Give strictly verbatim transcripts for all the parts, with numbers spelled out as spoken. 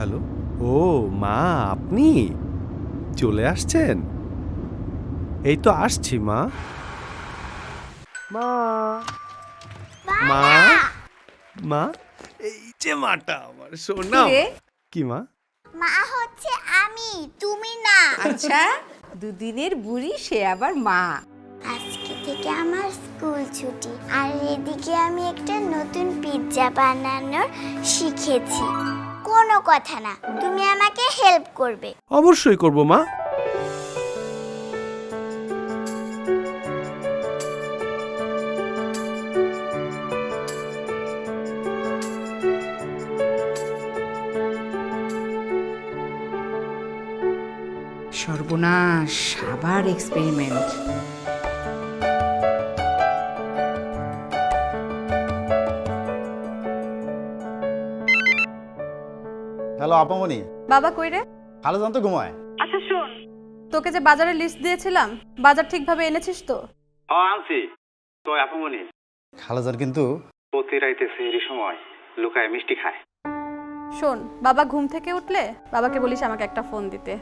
Hello. ও মা, আপনি চলে আসছেন? এই তো আসছি মা। মা মা মা এই যে মাটা আমার সোনা। কি রে? কি মা? মা হচ্ছে আমি, তুমি না। আচ্ছা, দুদিনের বুড়ি সে আবার মা। আজকে থেকে আমার স্কুল ছুটি, আর এদিকে আমি একটা নতুন পিৎজা বানানোর শিখেছি। কোনো কথা না, তুমি আমাকে হেল্প করবে। অবশ্যই করব মা। সর্বনাশ, আবার এক্সপেরিমেন্ট। হ্যালো আপামনি। বাবা কই রে? ভালো জানতো ঘুমায়। আচ্ছা শোন, তোকে যে বাজারের লিস্ট দিয়েছিলাম, বাজার ঠিকভাবে এনেছিস তো? ও আনছি তো আপামনি। খালাজান কিন্তু প্রতি রাইতে সেহরি সময় লুকায় মিষ্টি খায়। শোন, বাবা ঘুম থেকে উঠলে বাবাকে বলিস আমাকে একটা ফোন দিতে।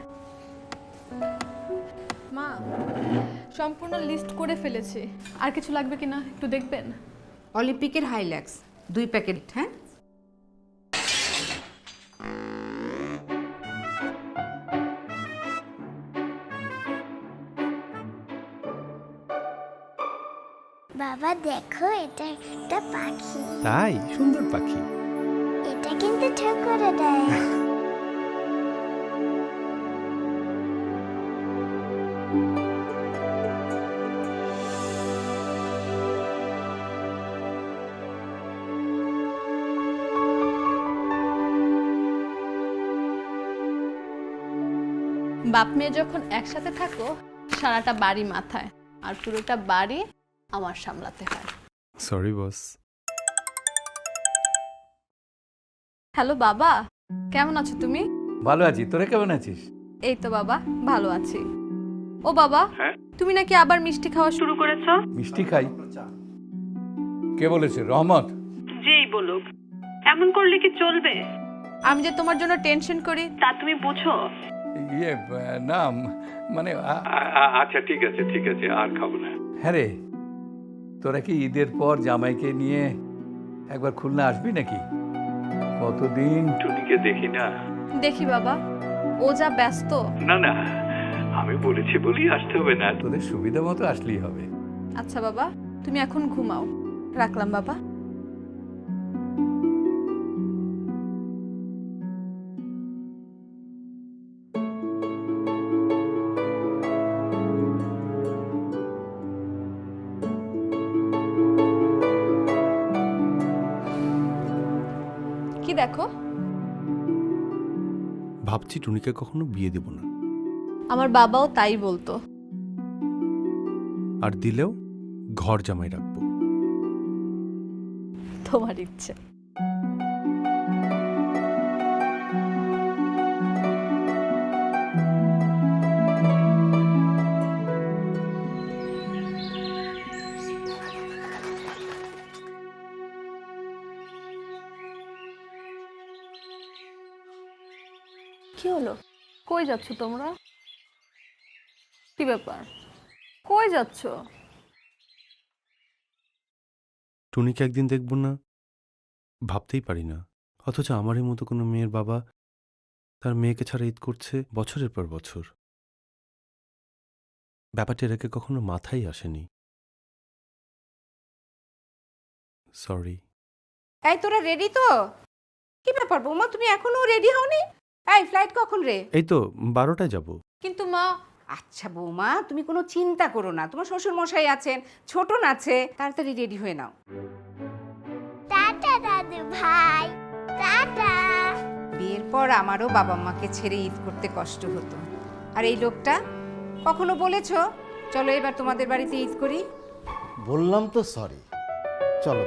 মা, সম্পূর্ণ লিস্ট করে ফেলেছি, আর কিছু লাগবে কিনা একটু দেখবেন। অলিম্পিকের হাইল্যাক্স দুই প্যাকেট। হ্যাঁ, বাবা দেখো, এটা একটা পাখি। তাই? সুন্দর পাখি। এটা কিন্তু ঠিক করে দেয়। বাপ মেয়ে যখন একসাথে থাকো, সারাটা বাড়ি মাথায়, আর পুরোটা বাড়ি আমার সামলাতে হয়। Sorry boss. হ্যালো বাবা, কেমন আছো তুমি? ভালো আছি, তোরা কেমন আছিস? এই তো বাবা, ভালো আছি। ও বাবা, হ্যাঁ? তুমি নাকি আবার মিষ্টি খাওয়া শুরু করেছো? মিষ্টি খাই? কে বলেছে? রহমত? যেই বলুক, এমন করলে কি চলবে? আমি যে তোমার জন্য টেনশন করি তা তুমি বুঝো? ইয়ে আহ, না মানে আ- আচ্ছা ঠিক আছে ঠিক আছে, আর খাবো না। হ্যাঁ রে, তোরা কি ঈদের পর জামাইকে নিয়ে একবার খুলনা আসবি নাকি? কতদিন টুনিকে দেখি না। দেখি বাবা, ও যা ব্যস্ত। না না, আমি বলেছি বলি আসতে হবে না। তোদের সুবিধা মতো আসলেই হবে। আচ্ছা বাবা, তুমি এখন ঘুমাও, রাখলাম বাবা। কি দেখো? ভাবছি টুনিকে কখনো বিয়ে দেব না, আমার বাবাও তাই বলতো। আর দিলেও ঘর জামাই রাখবো। তোমার ইচ্ছে। কি হলো? কই যাচ্ছ তোমরা? কি ব্যাপার? কই যাচ্ছ? টুনিকে একদিন দেখব না ভাবতেই পারি না, অথচ আমারই মতো কোনো মেয়ের বাবা তার মেয়েকে ছাড়া ঈদ করছে বছরের পর বছর। ব্যাপারটা এর আগে কখনো মাথায় আসেনি। সরি। এই তোরা রেডি তো? কি ব্যাপার বৌমা, তুমি এখনো রেডি হওনি? এই ফ্লাইট কখন রে? এই তো বারোটায় যাব। কিন্তু মা, আচ্ছা বৌমা, তুমি কোনো চিন্তা করো না, তোমার শ্বশুর মশাই আছেন, ছোটন আছে, তাড়াতাড়ি রেডি হয়ে নাও। টাটা দাদু ভাই, টাটা। বিয়ের পর আমারও বাবা মাকে ছেড়ে ঈদ করতে কষ্ট হতো। আর এই লোকটা, কখনো বলেছো চলো এবার তোমাদের বাড়িতে ঈদ করি? বললাম তো সরি। চলো।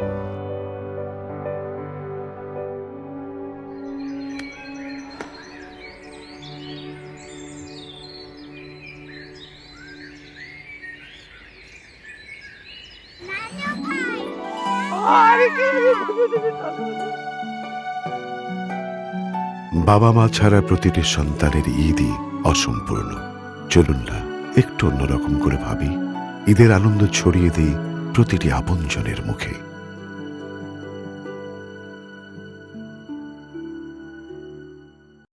বাবা মা ছাড়া প্রতিটি সন্তানের ঈদই অসম্পূর্ণ। চলুন না একটু অন্যরকম করে ভাবি, ঈদের আনন্দ ছড়িয়ে দিই প্রতিটি আপনজনের মুখে।